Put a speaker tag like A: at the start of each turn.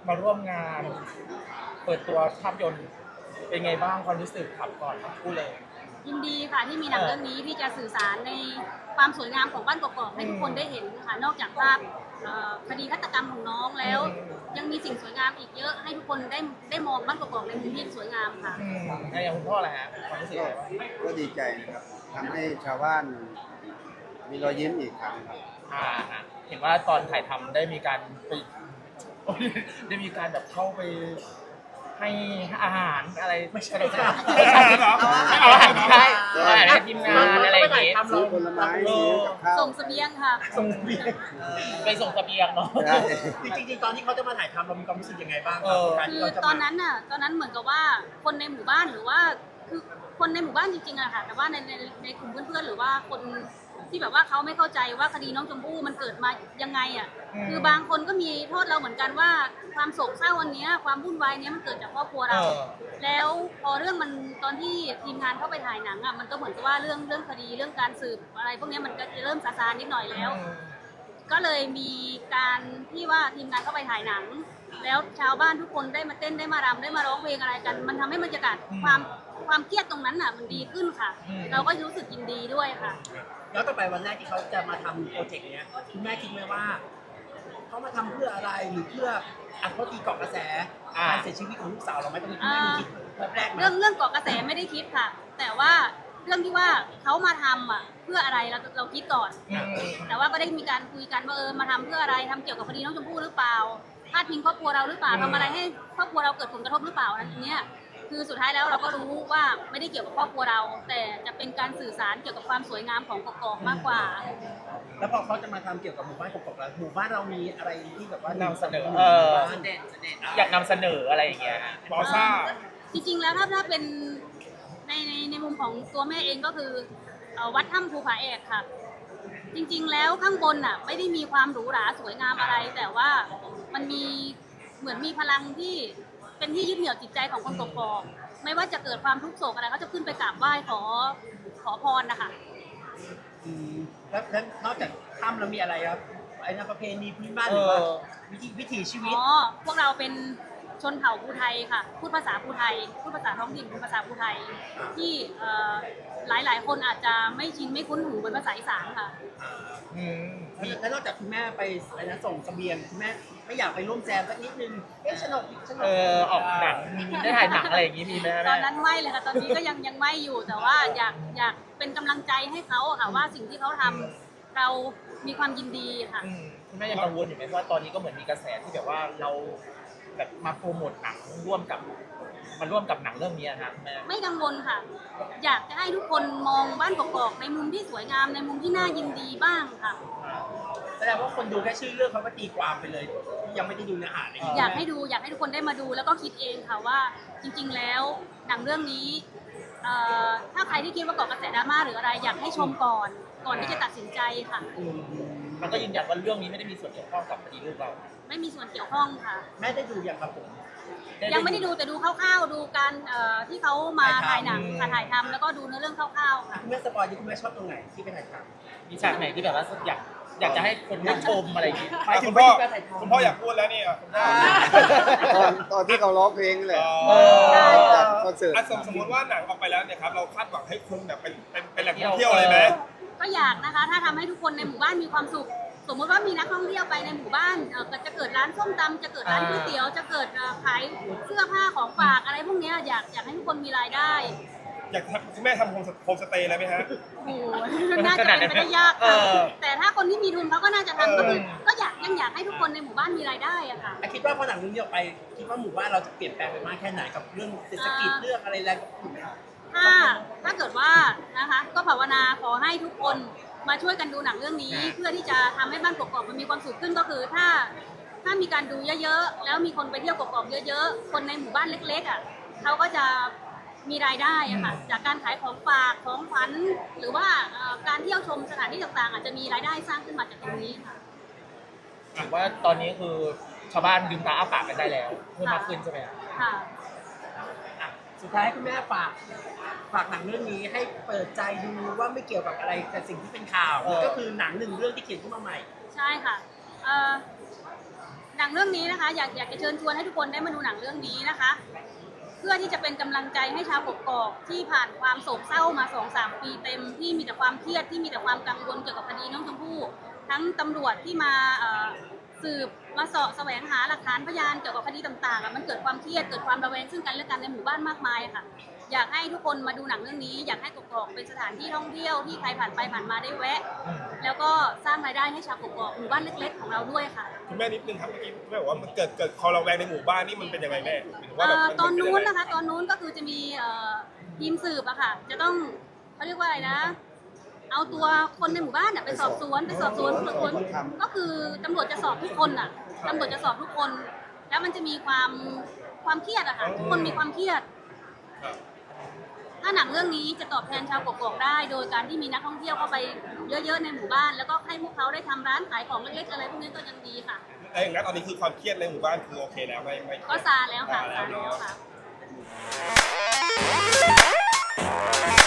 A: มาร่วมงานเปิดตัวภาพยนตร์เป็นไงบ้างความรู้สึกครับก่อนพูดเลย
B: ยินดีค่ะที่มีหนังเรื่องนี้ที่จะสื่อสารในความสวยงามของบ้านกอกๆให้ทุกคนได้เห็นค่ะนอกจากภาพคดีฆาตกรรมของน้องแล้ว ยังมีสิ่งสวยงามอีกเยอะให้ทุกคนได้มองบ้านกอกๆในมุมที่สวยงามค่ะ
A: อย่างคุณพ่อแหละฮะความรู้สึกอะไรบ้าง
C: ก็ดีใจนะครับทำให้ชาวบ้านมีรอยยิ้มอีกครั้งครับ
A: เห็นว่าตอนถ่ายทำได้มีการไปได้มีการแบบเข้าไปให้อาหารอะไรไม่ใช่เอาอาหารใช่ให้ทีมงานอะไรอย่างเงี้ย
C: ซื้อผลไม้ซื้อกับข้าว
B: ส่งเสบียงค่ะ
A: ส่งเสบียงไปส่งเสบียงเนาะ
D: จริงๆตอนที่เขาจะมาถ่ายทำเรามีความรู้สึกยังไงบ้าง
B: คือตอนนั้นเหมือนกับว่าคนในหมู่บ้านหรือว่าคือคนในหมู่บ้านจริงๆอะค่ะแต่ว่าในกลุ่มเพื่อนๆหรือว่าคนที่แบบว่าเขาไม่เข้าใจว่าคดีน้องชมพู่มันเกิดมายังไงอ่ะคือบางคนก็มีโทษเราเหมือนกันว่าความโศกเศร้าวันนี้ความวุ่นวายนี้มันเกิดจากครอบครัวเราแล้วพอเรื่องมันตอนที่ทีมงานเข้าไปถ่ายหนังอ่ะมันก็เหมือนกับว่าเรื่องคดีเรื่องการสืบอะไรพวกนี้มันก็จะเริ่มซาๆนิดหน่อยแล้วก็เลยมีการที่ว่าทีมงานเข้าไปถ่ายหนังแล้วชาวบ้านทุกคนได้มาเต้นได้มารำได้มาร้องเพลงอะไรกันมันทำให้บรรยากาศความเครียดตรงนั้นอ่ะมันดีขึ้นค่ะเราก็รู้สึกยินดีด้วยค่ะ
D: แล้วต่อไปวันแรกที่เขาจะมาทำโปรเจกต์เนี้ยคุณแม่คิดไหมว่าเขามาทำเพื่ออะไรหรือเพื่อเขาตีเกาะกระแสการเสียชีวิตของลูกสาวเราไหมตรงนี้คุณแม่มีคิดแบบแรกไหม
B: เรื่องเกาะกระแสไม่ได้คิดค่ะแต่ว่าเรื่องที่ว่าเขามาทำอ่ะเพื่ออะไรเราคิดก่อนแต่ว่าก็ได้มีการคุยกันว่ามาทำเพื่ออะไรทำเกี่ยวกับคดีน้องชมพู่หรือเปล่าพาดพิงครอบครัวเราหรือเปล่าทำอะไรให้ครอบครัวเราเกิดผลกระทบหรือเปล่าอันนี้คือสุดท้ายแล้วเราก็รู้ว่าไม่ได้เกี่ยวกับครอบครัวเราแต่จะเป็นการสื่อสารเกี่ยวกับความสวยงามของกอกๆมากกว่า
D: แล้วพอเขาจะมาทำเกี่ยวกับหมู่บ้านกอกๆแล้วหมู่บ้านเรามีอะไรที่แบบว่าน
A: ำเสนออยากนำเสนออะไรอย่างเงี้ยบอซ่า
B: จริงๆแล้วถ้าเป็นในมุมของตัวแม่เองก็คือวัดถ้ำภูผาแอกค่ะจริงๆแล้วข้างบนน่ะไม่ได้มีความหรูหราสวยงามอะไรแต่ว่ามันมีเหมือนมีพลังที่เป็นที่ยึดเหนี่ยวจิตใจของคนกกอกไม่ว่าจะเกิดความทุกข์โศกอะไรเขาจะขึ้นไปกราบไหว้ขอพรนะคะ
D: แล้วนอกจากถ้ำเรามีอะไรครับไอ้ประเพณีพื้นบ้านหรือว่าวิถีชีวิต
B: พวกเราเป็นชนเผ่าภูไทยค่ะพูดภาษาภูไทยพูดภาษาท้องถิ่นเป็นภาษาภูไทยที่หลายคนอาจจะไม่ชินไม่คุ้นหูเป็นภาษาอีสานค่ะ
D: แล้วนอกจากคุณแม่ไปส่งเสบียงคุณแม่ไม่อยากไปร่วมแจมสักนิดนึงสนุก
A: ออกหนังมีได้ถ่ายหนังอะไรอย่างงี้มีไหม
B: ตอนนั้นไม่เลยค่ะตอนนี้ก็ยังไม่อยู่แต่ว่าอยากเป็นกำลังใจให้เขาค่ะว่าสิ่งที่เขาทำเรามีความยินดีค่ะ
A: คุณแม่ยังกังวลอยู่ไหมว่าตอนนี้ก็เหมือนมีกระแสที่แบบว่าเราแบบมาโปรโมทหนังร่วมกับหนังเรื่องนี้นะแม่
B: ไม่กังวลค่ะอยากจะให้ทุกคนมองบ้านกอกๆในมุมที่สวยงามในมุมที่น่ายินดีบ้างค่ะ
D: แสดงว่าคนดูแค่ชื่อเรื่องเขาก็ตีความไปเลยยังไม่ได้ดูเนื้อหาเลย
B: อยากให้ทุกคนได้มาดูแล้วก็คิดเองค่ะว่าจริงๆแล้วหนังเรื่องนี้ถ้าใครที่คิดว่าเกาะกระแสดราม่าหรืออะไรอยากให้ชมก่อนที่จะตัดสินใจค่ะ
A: มันก็ยืนยันว่าเรื่องนี้ไม่ได้มีส่วนเกี่ยวข้องกับคดีลูกเรา
B: ไม่มีส่วนเกี่ยวข้องค่ะ
D: แม่ได้ดูอย่างครับผม
B: ยังไม่ได้ดูแต่ดูคร่าวๆดูการที่เขามาถ่ายหนังถ่ายทำแล้วก็ดูเนื้อเรื่องคร่าวๆค่ะ
D: คุณแม่สปอยที่คุณแม่ชอบตรงไหนที่ไปถ่ายทำ
A: มีฉากไหนที่แบบว่าอยากจะให้คนได้ชมอะไรอย่างงี้
E: คุณพ่ออยากพูดแล้วนี่
C: ตอนที่เขาร้องเพลงเลยจัดคอนเสิร์ต
E: สมมติว่าหนังออกไปแล้วเนี่ยครับเราคาดหวังให้คนแบบเป็นแหล่งท่องเที่ยวเลยไหม
B: ก็อยากนะคะถ้าทำให้ทุกคนในหมู่บ้านมีความสุขสมมติว่ามีนักท่องเที่ยวไปในหมู่บ้านจะเกิดร้านส้มตำจะเกิดร้านก๋วยเตี๋ยวจะเกิดขายเสื้อผ้าของฝากอะไรพวกนี้อยากให้ทุกคนมีรายได้
E: อยากคุณแม่ทำโฮมสเตย์อะไรไหมฮะ
B: โอ้น่าจะเป็นไปได้ยากค่ะแต่ถ้าคนที่มีทุนเขาก็น่าจะทำก็คือก็ยังอยากให้ทุกคนในหมู่บ้านมีรายได้อะค่ะ
D: คิดว่าพอหนังเรื่องนี้ออกไปคิดว่าหมู่บ้านเราจะเปลี่ยนแปลงไปมากแค่ไหนกับเรื่องเศรษฐกิจเรื่องอะไรแล้ว
B: ถ้าเกิดว่านะคะก็ภาวนาขอให้ทุกคนมาช่วยกันดูหนังเรื่องนี้เพื่อที่จะทำให้บ้านกอกๆมันมีความสุขขึ้นก็คือถ้ามีการดูเยอะๆแล้วมีคนไปเที่ยวกอกๆเยอะๆคนในหมู่บ้านเล็กๆอ่ะเขาก็จะมีรายได้อะค่ะจากการขายของฝากของขวัญหรือว่าการเที่ยวชมสถานที่ต่างๆอาจจะมีรายได้สร้างขึ้นมาจากตรงนี้ค่ะ
A: ถือว่าตอนนี้คือชาวบ้านลืมตาอ้าปากกันได้แล้วเพิ่มมากขึ้นใช่ไหม
B: ค่ะ
D: สุดท้ายคุณแม่ฝากหนังเรื่องนี้ให้เปิดใจดูว่าไม่เกี่ยวกับอะไรแต่สิ่งที่เป็นข่าวก็คือหนังหนึ่งเรื่องที่เขียนขึ้นมาใหม่
B: ใช่ค่ะหนังเรื่องนี้นะคะอยากจะเชิญชวนให้ทุกคนได้มาดูหนังเรื่องนี้นะคะ เพื่อที่จะเป็นกำลังใจให้ชาวกกอกที่ผ่านความโศกเศร้ามา 2-3 ปีเต็มที่มีแต่ความเครียดที่มีแต่ความกังวลเกี่ยวกับคดีน้องชมพู่ทั้งตำรวจที่มาสืบมาเสาะแสวงหาหลักฐานพยานเกี่ยวกับคดีต่างๆมันเกิดความเครียดเกิดความระแวงซึ่งกันและกันในหมู่บ้านมากมายค่ะอยากให้ทุกคนมาดูหนังเรื่องนี้อยากให้กกอกเป็นสถานที่ท่องเที่ยวที่ใครผ่านไปผ่านมาได้แวะ แล้วก็สร้างรายได้ให้ชาวกกอกหมู่บ้านเล็กๆของเราด้วยค่ะ
E: คุณแม่นิดนึงครับเมื่อกี้แม่บอกว่ามันเกิดความระแวงในหมู่บ้านนี่มันเป็นยังไงแม่หมายถึงว่าแบบมั
B: ตอนนู้น
E: เป็ยังไง
B: นะคะตอนนู้นก็คือจะมีทีมสืบอะค่ะจะต้องเขาเรียกว่าอะไรนะ เอาตัวคนในหมู่บ้านไปสอบสวนก็คือตำรวจจะสอบทุกคนอะตำรวจจะสอบทุกคน แล้วมันจะมีความเครียดอะค่ะทุกคนมีความเครียด
E: ครับ
B: ถ้าหนังเรื่องนี้จะตอบแทนชาวกกอกได้ โดยการที่มีนักท่องเที่ยวเข้าไปเยอะๆในหมู่บ้าน แล้วก็ให้พวกเขาได้ทำร้านขายของเล็กๆอะไรพวกนี้ก็ยังดีค่ะ
E: ไอ้อย่างนั้นตอนนี้คือความเครียดในหมู่บ้านคือโอเคแล้วไม่
B: ก็ซาแล้วค่ะซาแล้วค่ะ